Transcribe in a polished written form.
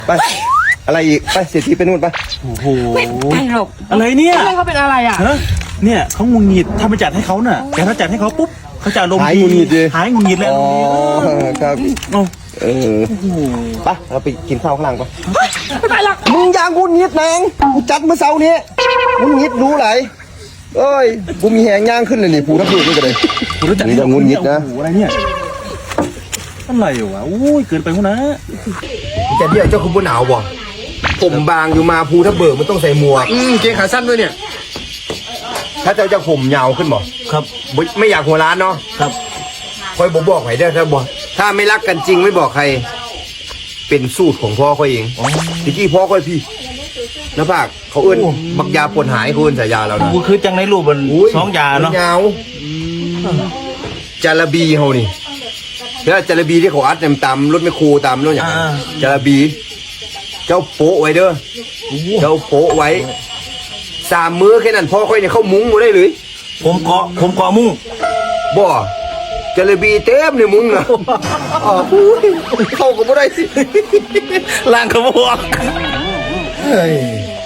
ไปอะไรอีกไปเศรษฐีไปนู่นไปโอ้โหไปหรอกอะไรเนี่ยเพื่อนเขาเป็นอะไรอ่ะฮะเนี่ยเขางุนงิดถ้าไปจัดให้เขาน่ะแต่ถ้าจัดให้เขาปุ๊บเขาจะลมณ์หายงุนงิดดิหายงุนงิดแล้วอ๋อครับโอ้เออไปเราไปกินข้าวข้างล่างไปไม่ไปหรอกมึงอย่างงุนงิดนางกูจัดเมื่อเช้านี้งุนงิดรู้ไหลเอ้ยกูมีแหงย่างขึ้นเลยนี่ผูทับผูนี่ก็เลยคุณรู้จักนี่ก็งุนงิดนะโอ้โหอะไรเนี่ยอะไรวะโอ้ยเกินไปหัวนะแต่เดี๋ยวเจ้าคุณบนหนาวบ่ผมบางอยู่มาภูทับเบิกมันต้องใส่หมวกเกงขาสั้นด้วยเนี่ย ถ้าเจ้าจะผมยาวขึ้นบ่ครับไม่อยากหัวร้านเนาะครับคอยบอกใครได้ถ้าบอกถ้าไม่รักกันจริงไม่บอกใคร เป็นสูตรของพ่อเขาเองตะกี้พ่อค่อยพี่แล้วภาคเขาเอื้นบักยาปวดหายเขาเอื้นสายยาเรานะกูคือจังในรูปมันสองยาเนาะยาวจาระบีเขานี่แล้วจาระบีที่เขาอัดเต็มตามรถไม่ครูตามรถอย่างนั้นจาระบี เจ้าโป๊ะไว้เด้อเจ้าโป๊ะไว้3 มื้อแค่นั้นพ่อค่อยเนี่ยเข้ามุ้งมาได้เลยผมเกาะมุ้งบ่จาระบีเต็มในมุ้งนะอ๋อเข้าก็ไม่ได้สิล่างกระบอกเฮ้ย